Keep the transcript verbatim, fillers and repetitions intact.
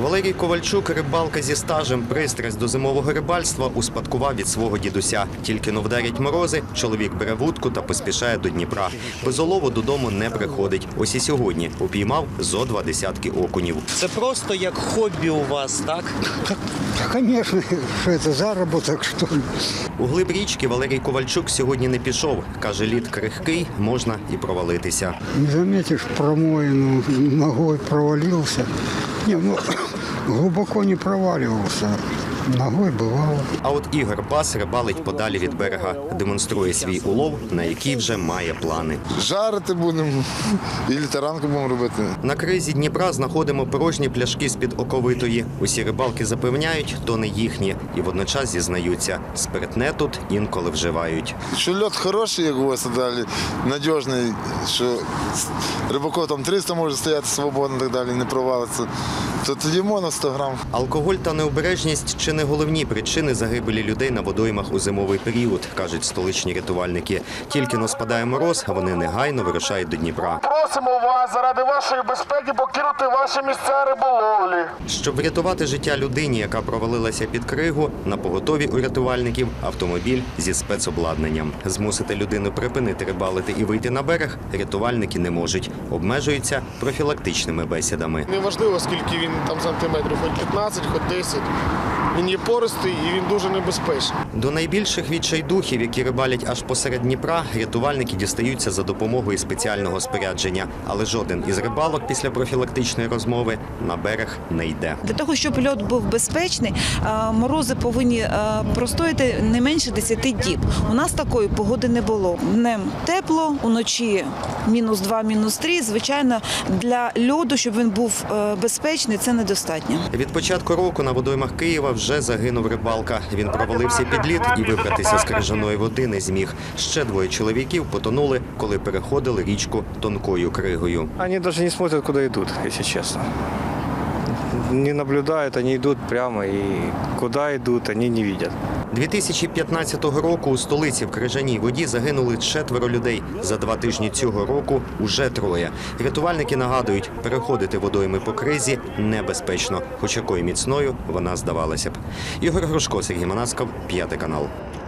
Валерій Ковальчук – рибалка зі стажем. Пристрасть до зимового рибальства успадкував від свого дідуся. Тільки но вдарять морози, чоловік бере вудку та поспішає до Дніпра. Без олову додому не приходить. Ось і сьогодні упіймав зо два десятки окунів. Це просто як хобі у вас, так? Конечно, що це заробіток, що ли. У глиб річки Валерій Ковальчук сьогодні не пішов. Каже, лід крихкий, можна і провалитися. Не заметиш, промоину ногой провалился. Не, ну, глубоко не проваливался. Ногой бывало. А от Ігор Бас рибалить подалі від берега. Демонструє свій улов, на який вже має плани. Жарити будемо і таранку будемо робити. На кризі Дніпра знаходимо порожні пляшки з-під оковитої. Усі рибалки запевняють, то не їхні. І водночас зізнаються, спиртне тут інколи вживають. Що льот хороший, як у вас далі, надіжний, що рибаков там триста може стояти свободно, так далі, не провалиться, то тоді можна сто грам. Алкоголь та необережність – чи не головні причини загибелі людей на водоймах у зимовий період, кажуть столичні рятувальники. Тільки но спадає мороз, а вони негайно вирушають до Дніпра. Просимо вас заради вашої безпеки покинути ваші місця риболовлі. Щоб врятувати життя людині, яка провалилася під кригу, на поготові у рятувальників автомобіль зі спецобладнанням. Змусити людину припинити рибалити і вийти на берег рятувальники не можуть. Обмежуються профілактичними бесідами. Неважливо, скільки він там сантиметрів, хоч п'ятнадцять, хоч десять. Він є пористий і він дуже небезпечний. До найбільших відчайдухів, які рибалять аж посеред Дніпра, рятувальники дістаються за допомогою спеціального спорядження. Але жоден із рибалок після профілактичної розмови на берег не йде. Для того, щоб льот був безпечний, морози повинні простояти не менше десяти діб. У нас такої погоди не було. Днем тепло, уночі мінус два, мінус три. Звичайно, для льоду, щоб він був безпечний, це недостатньо. Від початку року на водоймах Києва вже загинув рибалка. Він провалився під лід і вибратися з крижаної води не зміг. Ще двоє чоловіків потонули, коли переходили річку тонкою кригою. Они даже не смотрят, куда идут, если честно. Не наблюдают, они идут прямо, и куда идут, они не видят. дві тисячі п'ятнадцятого року у столиці в крижаній воді загинули четверо людей. За два тижні цього року уже троє. Рятувальники нагадують, переходити водойми по кризі небезпечно, хоч якою міцною вона здавалася б. Ігор Грушко, Сергій Манасков, п'ятий канал.